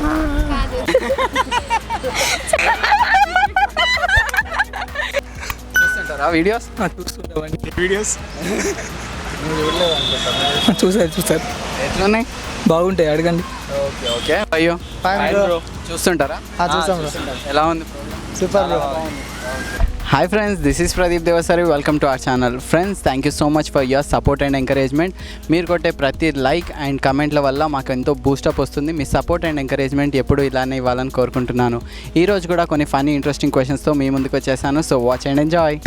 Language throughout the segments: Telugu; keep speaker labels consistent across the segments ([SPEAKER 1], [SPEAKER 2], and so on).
[SPEAKER 1] చూస్తుంటారా వీడియోస్?
[SPEAKER 2] చూస్తుంటామండి వీడియోస్. చూసారు
[SPEAKER 1] ఎట్లున్నాయి?
[SPEAKER 2] బాగుంటాయి, అడగండి.
[SPEAKER 1] Okay okay. అయ్యో చూస్తుంటారా?
[SPEAKER 2] చూసాం.
[SPEAKER 1] ఎలా ఉంది?
[SPEAKER 2] Super bro.
[SPEAKER 1] Hi friends, this is Pradeep Devasari. Welcome to our channel. Friends, thank you so much for your support and encouragement. మీరు కొట్టే ప్రతి లైక్ అండ్ కమెంట్ల వల్ల మాకు ఎంతో బూస్టప్ వస్తుంది. మీ సపోర్ట్ అండ్ ఎంకరేజ్మెంట్ ఎప్పుడు ఇలానే ఇవ్వాలని కోరుకుంటున్నాను. ఈరోజు కూడా కొన్ని ఫన్నీ ఇంట్రెస్టింగ్ క్వశ్చన్స్తో మీ ముందుకు వచ్చేసాను. So watch and enjoy.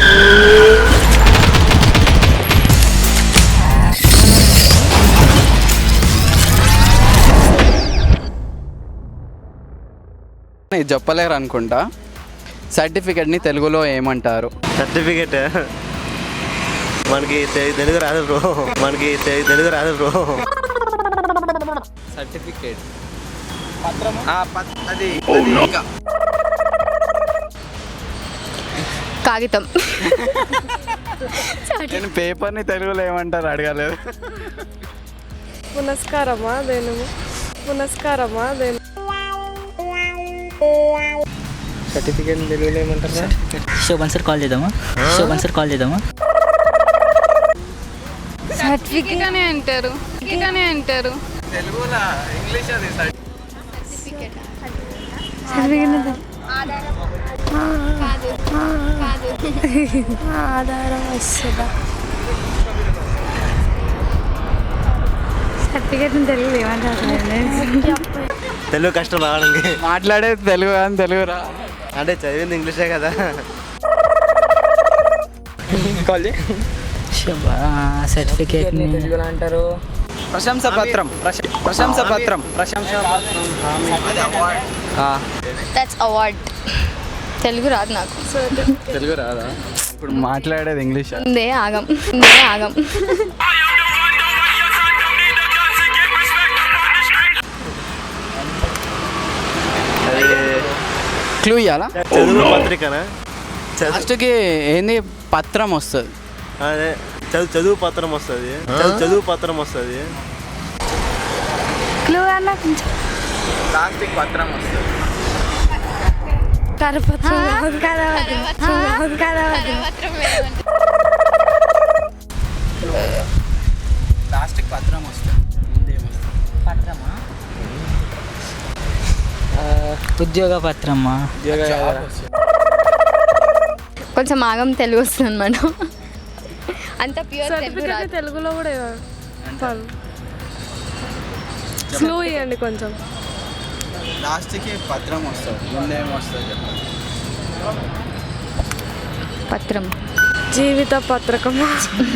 [SPEAKER 1] ఇది చెప్పలేరు అనుకుంటా. సర్టిఫికెట్ని తెలుగులో ఏమంటారు?
[SPEAKER 3] సర్టిఫికెట్ మనకి తెలుగు రాదు బ్రో.
[SPEAKER 1] సర్టిఫికేట్
[SPEAKER 4] కాగితం.
[SPEAKER 1] నేను పేపర్ని తెలుగులో ఏమంటారు అడగలేదు.
[SPEAKER 5] పునస్కారమా దేని
[SPEAKER 2] సర్టిఫికేట్ తెలుగులో ఏమంటారు?
[SPEAKER 6] శోభన్ సార్ కాల్ చేద్దామా?
[SPEAKER 4] సర్టిఫికేట్ అనే అంటారు.
[SPEAKER 1] తెలుగులో ఇంగ్లీష్ అది
[SPEAKER 5] ఆధారం వస్తుందా? సర్టిఫికేట్ తెలుగు ఏమంటారు?
[SPEAKER 3] తెలుగు కష్టం రావడానికి.
[SPEAKER 1] మాట్లాడేది తెలుగు అని తెలుగు రా
[SPEAKER 3] అంటే చదివింది ఇంగ్లీషే కదా.
[SPEAKER 6] సర్టిఫికేట్
[SPEAKER 2] తెలుగులో అంటారు ప్రశంసపత్రం.
[SPEAKER 4] That's award. తెలుగు రాదు నాకు.
[SPEAKER 1] తెలుగు రాదా? ఇప్పుడు మాట్లాడేది ఇంగ్లీష్.
[SPEAKER 4] ఉందే ఆగం.
[SPEAKER 1] క్లూ ఇవ్వాలా?
[SPEAKER 3] చదువు పత్రికనా?
[SPEAKER 1] ఫస్ట్కి ఏంది పత్రం వస్తుంది.
[SPEAKER 3] అదే చదువు పత్రం వస్తుంది.
[SPEAKER 5] క్లూ అన్న కొంచెం.
[SPEAKER 1] ప్లాస్టిక్ పత్రం వస్తుంది.
[SPEAKER 5] కరపత్రం కదా.
[SPEAKER 1] ప్లాస్టిక్ పత్రం వస్తుంది.
[SPEAKER 6] పత్రమా? ఉద్యోగ పత్రమా?
[SPEAKER 4] కొంచెం ఆగం తెలుగు వస్తుంది అనమాట. అంత ప్యూర్ తెలుగు రాదు.
[SPEAKER 5] తెలుగులో కూడా క్లూ ఇవ్వండి కొంచెం.
[SPEAKER 1] ప్లాస్టిక్ పత్రం వస్తుంది. ముందేమో వస్తుంది చెప్పండి.
[SPEAKER 4] పత్రం.
[SPEAKER 5] జీవిత పత్రకమా?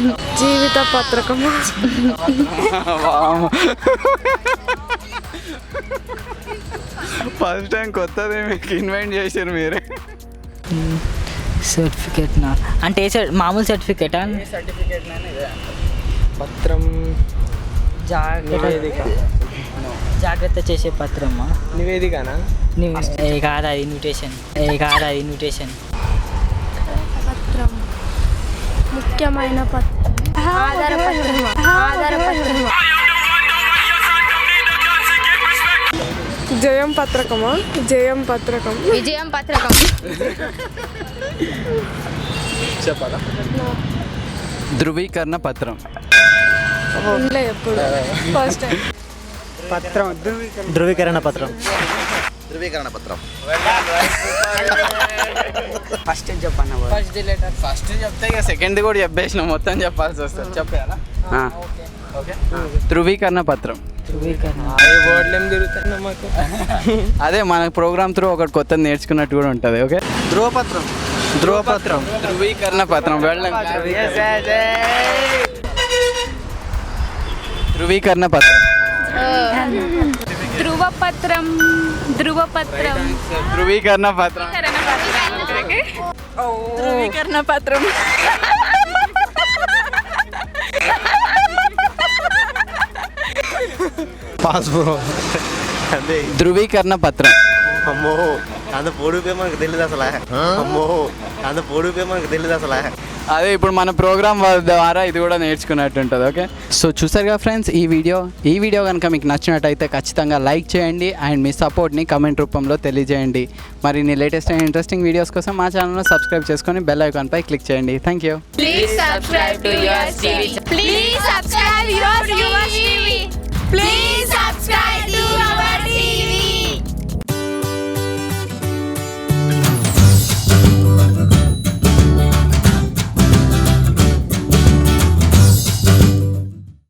[SPEAKER 1] ఫస్ట్ టైం కొత్తది మీకు ఇన్వైట్ చేశారు మీరే.
[SPEAKER 6] సర్టిఫికేట్ నా అంటే మామూలు సర్టిఫికేటా?
[SPEAKER 2] పత్రం
[SPEAKER 6] జాగ్రత్త చేసే పత్రమా?
[SPEAKER 2] నివేదికనా?
[SPEAKER 6] కాదా ఇన్విటేషన్.
[SPEAKER 5] పత్రం ముఖ్యమైన పత్రం. ఆధారపత్రం. జయం పత్రకం.
[SPEAKER 4] విజయం పత్రకం.
[SPEAKER 1] చెప్పాలా? ధృవీకరణ పత్రం.
[SPEAKER 5] ఎప్పుడు ఫస్ట్ టైం.
[SPEAKER 2] పత్రం
[SPEAKER 3] ధృవీకరణ పత్రం.
[SPEAKER 2] ఫస్ట్ చెప్పన్నా.
[SPEAKER 1] ఫస్ట్ చెప్తే ఇక సెకండ్ కూడా చెప్పేసిన మొత్తం చెప్పాల్సి వస్తుంది. చెప్పాలా? ఓకే. ధృవీకరణ పత్రం.
[SPEAKER 2] బోర్డులు ఏం తిరుగుతాయి మాకు.
[SPEAKER 1] అదే మన ప్రోగ్రామ్ త్రూ ఒకటి కొత్తది నేర్చుకున్నట్టు కూడా ఉంటుంది. ఓకే. ధృవపత్రం. ధృవీకరణ పత్రం. ధృవీకరణ పత్రం.
[SPEAKER 4] ధృవపత్రం.
[SPEAKER 1] ధృవీకరణ పత్రం.
[SPEAKER 3] పాస్పోర్ట్ అదే
[SPEAKER 1] ధృవీకరణ పత్రం.
[SPEAKER 3] అమ్మో అంత పొడుపే మనకు తెలియదు అసలు.
[SPEAKER 1] అదే ఇప్పుడు మన ప్రోగ్రామ్ ద్వారా ఇది కూడా నేర్చుకున్నట్టు ఉంటుంది. ఓకే, సో చూసారుగా ఫ్రెండ్స్ ఈ వీడియో కనుక మీకు నచ్చినట్టయితే ఖచ్చితంగా లైక్ చేయండి అండ్ మీ సపోర్ట్ని కమెంట్ రూపంలో తెలియజేయండి. మరి నీ లేటెస్ట్ అండ్ ఇంట్రెస్టింగ్ వీడియోస్ కోసం మా ఛానల్ను సబ్స్క్రైబ్ చేసుకొని బెల్ ఐకాన్పై క్లిక్ చేయండి. Thank you.
[SPEAKER 4] Please subscribe to Yours TV. Please subscribe Yours TV.